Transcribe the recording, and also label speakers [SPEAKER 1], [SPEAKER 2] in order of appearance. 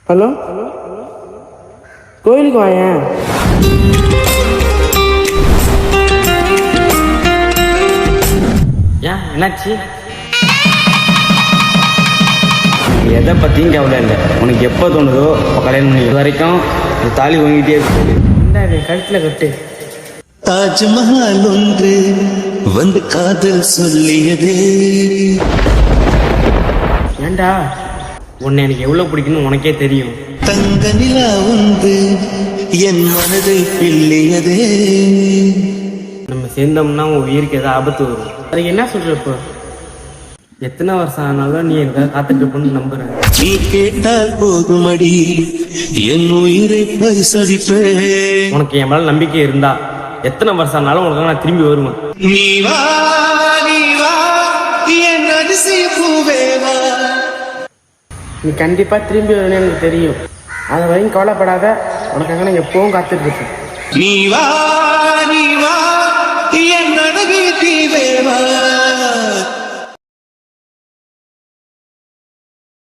[SPEAKER 1] Hello, கோயிலுக்கு வாயேன்.
[SPEAKER 2] ஏன் என்னாச்சு? எதை பற்றியும் கவலை இல்லை. உனக்கு எப்போ தோணுதோ அப்போ கல்யாணம் பண்ணி. இது வரைக்கும் இந்த தாலி வாங்கிட்டே இருக்கு.
[SPEAKER 1] இந்த கழுத்தில் கட்டு.
[SPEAKER 3] தாஜ்மஹால் ஒன்று வந்து காதல் சொல்லியதே.
[SPEAKER 1] ஏண்டா,
[SPEAKER 2] உன்னை எனக்கு எவ்வளோ பிடிக்குன்னு உனக்கே தெரியும்.
[SPEAKER 3] தங்க நிலா ஒன்று என் மனதை பிள்ளையதே.
[SPEAKER 2] நம்ம சேர்ந்தோம்னா உன் உயிருக்கு ஏதாவது ஆபத்து வரும்.
[SPEAKER 1] அதுக்கு என்ன சொல்ற? இப்போ
[SPEAKER 2] எத்தனை வருஷம் ஆனாலும் நீ எதாவது காத்துட்டு இருப்பேன்னு நம்புறேன்.
[SPEAKER 3] நீ கேட்டால் போதுமடி என் உயிரை பரிசளிப்பேன்.
[SPEAKER 2] உனக்கு என் மேல நம்பிக்கை இருந்தா எத்தனை வருஷம் ஆனாலும் உனக்கு நான் திரும்பி வருவேன்.
[SPEAKER 3] நீ வா என் அதிசய பூவே வா.
[SPEAKER 1] நீ கண்டிப்பா திரும்பி வருவேன்னு எனக்கு தெரியும். அதை வரையும் கவலைப்படாத. உனக்காக நான் எப்பவும் காத்துட்டு இருப்பேன்.
[SPEAKER 3] நீ வா